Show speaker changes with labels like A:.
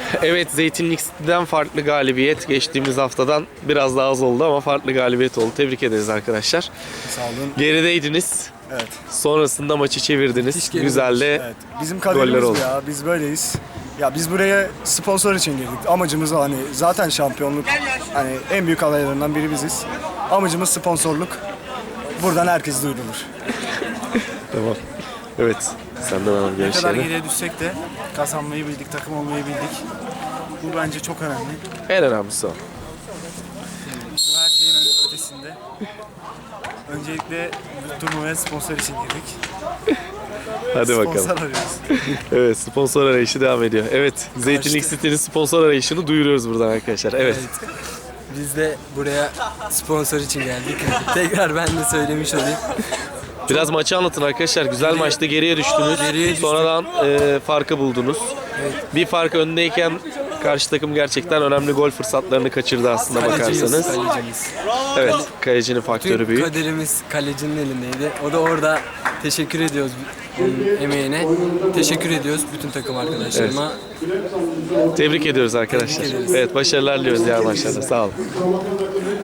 A: Evet, Zeytinlik City'den farklı galibiyet. Geçtiğimiz haftadan biraz daha az oldu ama farklı galibiyet oldu. Tebrik ederiz arkadaşlar.
B: Sağ olun.
A: Gerideydiniz.
B: Evet.
A: Sonrasında maçı çevirdiniz. Güzel de
B: Evet. Bizim
A: goller
B: kaderimiz
A: oldu.
B: bu ya. Biz böyleyiz. Ya biz buraya sponsor için girdik. Amacımız o, hani zaten şampiyonluk. Hani en büyük adaylarından biri biziz. Amacımız sponsorluk. Buradan herkes duyurulur.
A: Tamam. Evet. Senden alalım
C: Ne kadar
A: görüşlerini.
C: geriye düşsek de kazanmayı bildik, takım olmayı bildik. Bu bence çok önemli.
A: En önemlisi o.
C: Bu her şeyin ötesinde. Öncelikle bu turnuvaya sponsor için girdik.
A: Hadi
C: Sponsor
A: bakalım.
C: arıyoruz.
A: Evet, sponsor arayışı devam ediyor. Evet, Zeytinlik City'nin sponsor arayışını duyuruyoruz buradan arkadaşlar. Evet.
D: Biz de buraya sponsor için geldik. Tekrar ben de söylemiş olayım.
A: Biraz maçı anlatın arkadaşlar. Güzel maçta geriye düştünüz.
D: Geriye düştük.
A: Sonradan farkı buldunuz. Bir fark öndeyken karşı takım gerçekten önemli gol fırsatlarını kaçırdı aslında bakarsanız.
D: Kalecimiz.
A: Evet, kalecinin faktörü
D: Tüm
A: büyük.
D: kaderimiz kalecinin elindeydi. O da orada teşekkür ediyoruz onun emeğine. Teşekkür ediyoruz bütün takım arkadaşlarıma.
A: Tebrik ediyoruz arkadaşlar.
D: Tebrik ederiz.
A: Evet, başarılar diliyoruz diğer maçlarda. Sağ olun.